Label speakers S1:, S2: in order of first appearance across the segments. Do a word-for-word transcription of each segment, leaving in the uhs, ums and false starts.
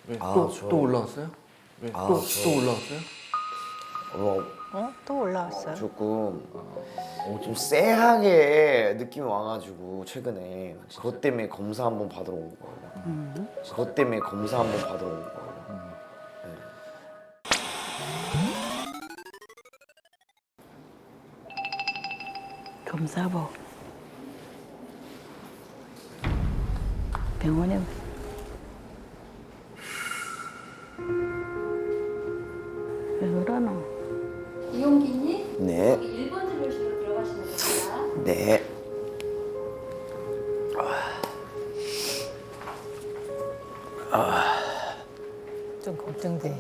S1: 왜?
S2: 아,
S1: 또,
S2: 저-
S1: 또 올라왔어요? 왜?
S2: 아,
S1: 또,
S2: 저-
S1: 또 올라왔어요?
S2: 어,
S3: 어? 또 올라왔어요?
S2: 조금 어, 좀 쎄하게 느낌이 와가지고 최근에 그것 때문에 검사 한번 받으러 온 거예요. 그것 때문에 검사 한번 받으러 온 거예요.
S4: 검사복 병원에 왜 그러노?
S5: 이용기님
S2: 네,
S5: 여기 일 번 진료실로 들어가시면 됩니다.
S2: 네.
S3: 좀 걱정돼.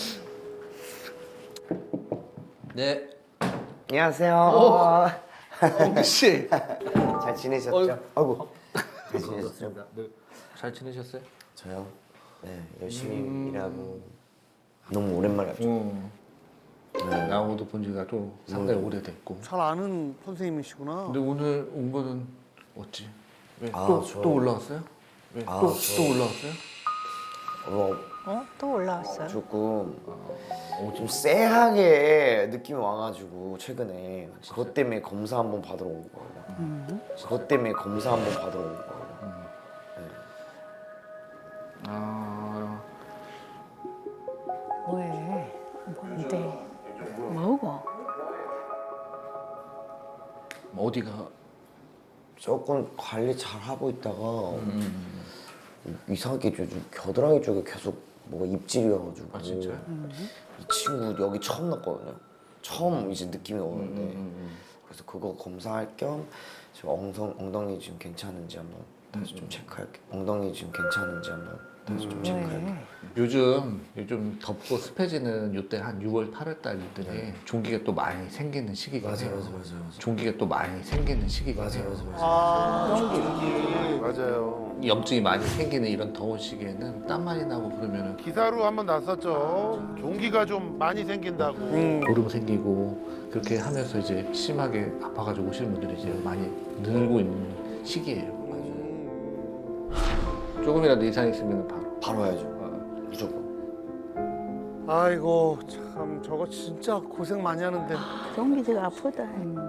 S1: 네.
S2: 안녕하세요.
S1: 홍기 씨.
S2: 잘 지내셨죠?
S1: 어이.
S2: 아이고, 잘 지내셨죠?
S1: 네. 잘 지내셨어요?
S2: 저요? 네, 열심히 일하고 너무 오랜만에 뵙죠.
S1: 응.
S2: 네.
S1: 나하고도 본 지가 또 상당히 오래됐고.
S6: 잘 아는 선생님이시구나.
S1: 근데 오늘 온 거는 어찌? 왜?
S2: 아,
S1: 또,
S2: 저-
S1: 또 올라왔어요? 왜?
S2: 아,
S1: 또,
S2: 저-
S1: 또 올라왔어요?
S2: 어,
S3: 어? 또 올라왔어요?
S2: 조금 어, 좀 쎄하게 느낌이 와가지고 최근에 그것 때문에 검사 한번 받으러 온 거예요. 그것 때문에 검사 한번 받으러 온 거예요.
S1: 아,
S3: 뭐해? 뭔데?
S4: 뭐고?
S1: 어디가?
S2: 조금 관리 잘 하고 있다가 이상하게 요즘 겨드랑이 쪽에 계속 뭐가 입질이어가지고
S1: 아, 진짜요?
S2: 이 친구 여기 처음 났거든요. 처음 이제 느낌이 오는데
S1: 음,
S2: 그래서 그거 검사할 겸 지금 엉성, 엉덩이 지금 괜찮은지 한번 다시 좀 체크할게. 엉덩이 지금 괜찮은지 한번 다시 좀 체크할게.
S3: 왜?
S1: 요즘 요즘 덥고 습해지는 요때 한 유월, 팔월 달들이 종기가 또 많이 생기는 시기가
S2: 맞아,
S1: 해요.
S2: 맞아, 맞아, 맞아.
S1: 종기가 또 많이 생기는 시기가
S2: 맞아,
S1: 해요.
S2: 맞아, 맞아.
S6: 아, 저기 맞아요.
S1: 염증이 많이 생기는 이런 더운 시기에는 땀 많이 나고 그러면은
S7: 기사로 한번 났었죠. 종기가 좀 많이 생긴다고.
S6: 음.
S1: 보름 생기고 그렇게 하면서 이제 심하게 아파가지고 오시는 분들이 이제 많이 늘고 있는 시기예요. 조금이라도 이상 있으면 바로.
S2: 바로 해야죠.
S1: 어.
S2: 무조건.
S6: 아이고 참 저거 진짜 고생 많이 하는데.
S4: 종기지가 아프다.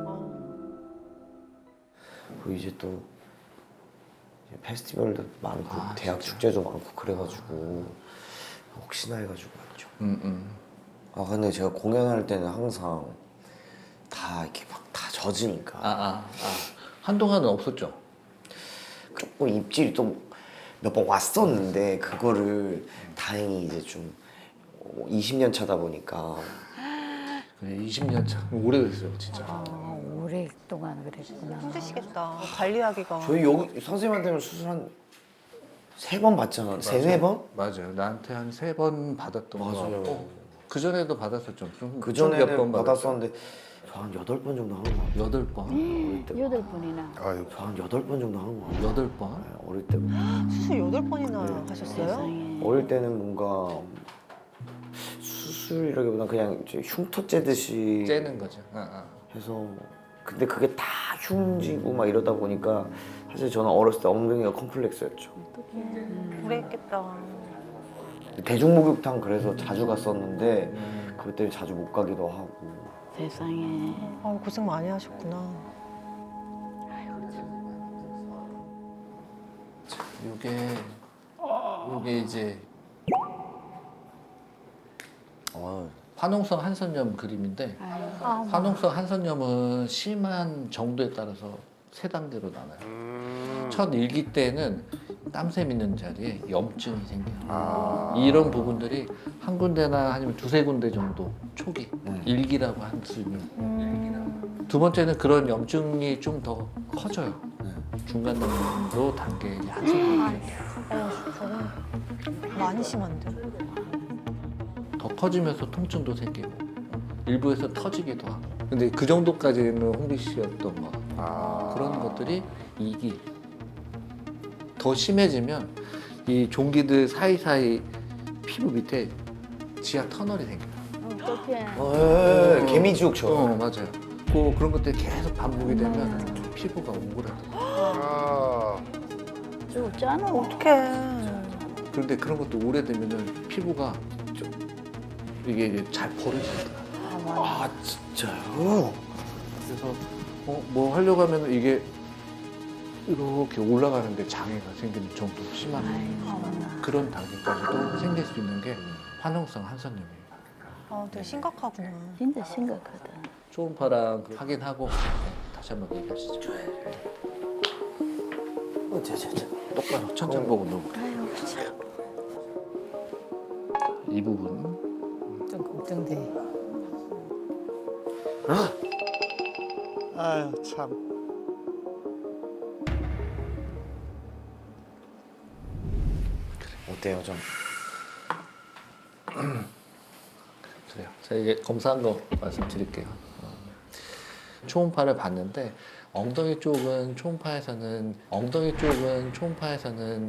S2: 그리고 이제 또 이제 페스티벌도 많고
S1: 아,
S2: 대학
S1: 진짜?
S2: 축제도 많고 그래가지고 혹시나 해가지고 왔죠.
S1: 음, 음.
S2: 아 근데 제가 공연할 때는 항상 다 이렇게 막 다 젖으니까
S1: 아, 아, 아. 한동안은 없었죠.
S2: 조금 입질이 또 몇 번 왔었는데 그거를 다행히 이제 좀 이십 년 차다 보니까
S1: 그래, 이십 년 차. 오래됐어요, 진짜.
S4: 아, 오랫동안 그랬구나.
S3: 힘드시겠다. 관리하기가.
S2: 저희 여기 선생님한테는 수술 한 세 번 받잖아. 세네 번?
S1: 맞아요. 나한테 한 세 번 받았던 거
S2: 맞아요.
S1: 같고 그 전에도 받았었죠. 좀,
S2: 그
S1: 좀 몇
S2: 전에는
S1: 번 받았어요.
S2: 받았었는데 저 한 여덟 번 정도 하는 거 같아요.
S1: 여덟 번,
S2: 어릴 때.
S4: 여덟 분이나.
S7: 아유,
S2: 저 한 여덟 번 정도 하는 거 같아요.
S1: 여덟 번.
S2: 네, 어릴 때부터.
S3: 수술 여덟 번이나
S2: 네.
S3: 하셨어요?
S4: 세상에.
S2: 어릴 때는 뭔가 수술이라기보다 그냥 이제 흉터 째듯이
S1: 째는 거죠. 아, 아.
S2: 해서 근데 그게 다 흉지고 막 이러다 보니까 사실 저는 어렸을 때 엉덩이가 컴플렉스였죠.
S3: 그랬겠다.
S2: 대중목욕탕 그래서 자주 갔었는데 그것 때문에 자주 못 가기도 하고
S4: 세상에.
S3: 아, 고생 많이 하셨구나.
S1: 요게 요게 이제
S2: 어,
S1: 화농성 한선염 그림인데
S4: 아유.
S1: 화농성 한선염은 심한 정도에 따라서 세 단계로 나눠요.
S7: 음.
S1: 첫 일기 때는 땀샘 있는 자리에 염증이 생겨요.
S7: 아.
S1: 이런 부분들이 한 군데나 아니면 두세 군데 정도 초기
S2: 네.
S1: 일기라고 할 수 있는 두 번째는 그런 염증이 좀 더 커져요.
S2: 네.
S1: 중간 정도 단계 한선염이
S3: 어, 저건 많이 심한데.
S1: 더 커지면서 통증도 생기고 일부에서 터지기도 하고 근데 그 정도까지는 홍비 씨였던 거
S7: 아.
S1: 그런 것들이 이기 더 심해지면 이 종기들 사이사이 피부 밑에 지하 터널이 생겨요.
S4: 어떡해.
S2: 어, 예, 예, 개미지옥처럼.
S1: 어 맞아요. 그 그런 것들이 계속 반복이 되면 피부가 오그라들어요.
S7: 아.
S4: 죽잖아.
S3: 어떡해.
S1: 그런데 그런 것도 오래되면은 피부가 좀 이게 이제 잘 버려지더라.
S2: 아 진짜요?
S1: 그래서 어, 뭐 하려고 하면 이게 이렇게 올라가는데 장애가 생기는 정도 심한
S4: 아이고.
S1: 그런 단계까지도 생길 수 있는 게 화농성 한선염이에요.
S3: 아, 되게 심각하구나.
S4: 진짜 심각하다.
S1: 초음파랑 확인하고 네, 다시 한번 얘기하시죠.
S2: 어, 저, 저, 저.
S1: 똑바로 천장 보고 놓고
S4: 아이고 참.
S1: 이 부분
S4: 좀 걱정돼.
S6: 아유 참.
S2: 어때요 좀?
S1: 그래요. 제가 이게 검사한 거 말씀드릴게요. 어, 초음파를 봤는데 엉덩이 쪽은 초음파에서는 엉덩이 쪽은 초음파에서는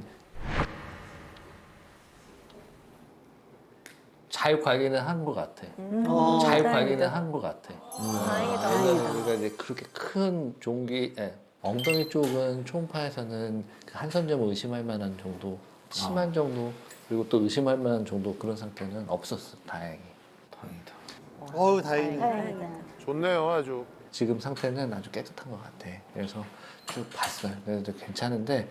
S1: 잘 관리는 한 것 같아.
S3: 음.
S1: 잘
S4: 다행이다.
S1: 관리는 한 것 같아.
S3: 다행이다.
S1: 왜냐면 우리가 이제 그렇게 큰 종기, 예, 엉덩이 쪽은 초음파에서는 그 한선점을 의심할 만한 정도, 심한 정도, 그리고 또 의심할 만한 정도 그런 상태는 없었어, 다행히.
S2: 다행이다.
S6: 어우 다행이네.
S4: 다행이다.
S7: 좋네요 아주.
S1: 지금 상태는 아주 깨끗한 것 같아. 그래서 쭉 봤어요. 그래서 괜찮은데,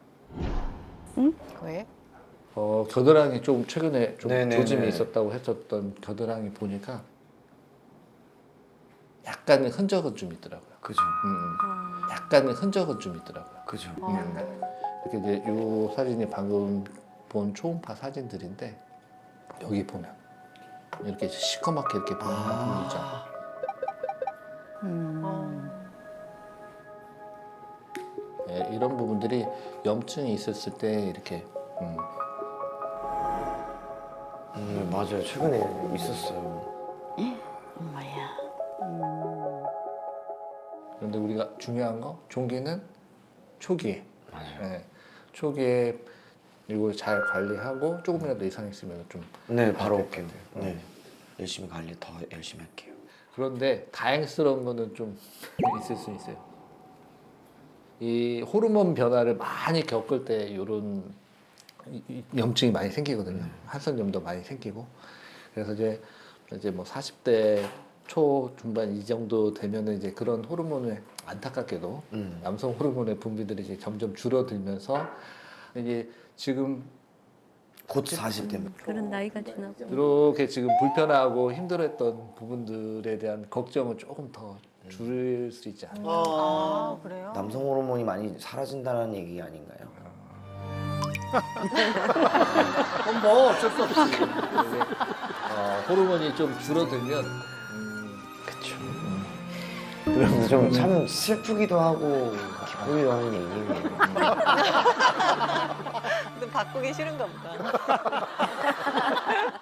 S3: 왜?
S1: 어, 겨드랑이 좀 최근에 좀
S2: 네네네.
S1: 조짐이 있었다고 했었던 겨드랑이 보니까 약간의 흔적은 좀 있더라고요.
S2: 그죠.
S1: 음, 음. 약간의 흔적은 좀 있더라고요.
S2: 그죠.
S1: 음. 이렇게 이제 이 사진이 방금 본 초음파 사진들인데 여기 보면 이렇게 시커멓게 이렇게 보이는 부분 있잖아.
S4: 음.
S1: 예, 이런 부분들이 염증이 있었을 때 이렇게 음,
S2: 음 맞아요. 최근에 있었어요.
S4: 엄마야.
S1: 그런데 우리가 중요한 거 종기는 초기에
S2: 맞아요.
S1: 예, 초기에 이걸 잘 관리하고 조금이라도 이상 있으면 좀
S2: 네 바로
S1: 될
S2: 올게요.
S1: 것 같아요.
S2: 네 열심히 관리 더 열심히 할게요.
S1: 그런데 다행스러운 거는 좀 있을 수 있어요. 이 호르몬 변화를 많이 겪을 때 이런 염증이 많이 생기거든요. 한선염도 많이 생기고. 그래서 이제 이제 뭐 사십 대 초 중반 이 정도 되면은 이제 그런 호르몬을 안타깝게도
S2: 음.
S1: 남성 호르몬의 분비들이 이제 점점 줄어들면서 이게 지금
S2: 곧 사십 대면.
S4: 그런 나이가 지나고.
S1: 이렇게 지금 불편하고 힘들었던 부분들에 대한 걱정은 조금 더 줄일 수 있지 않나.
S3: 아, 그래요?
S2: 남성 호르몬이 많이 사라진다는 얘기 아닌가요?
S6: 그럼 뭐 어쩔 수 없지.
S1: 이게, 어, 호르몬이 좀 줄어들면 음,
S2: 그쵸. 그래서 좀 참 슬프기도 하고 기쁘기도 하는 얘기네요.
S3: 너 바꾸기 싫은가 보다.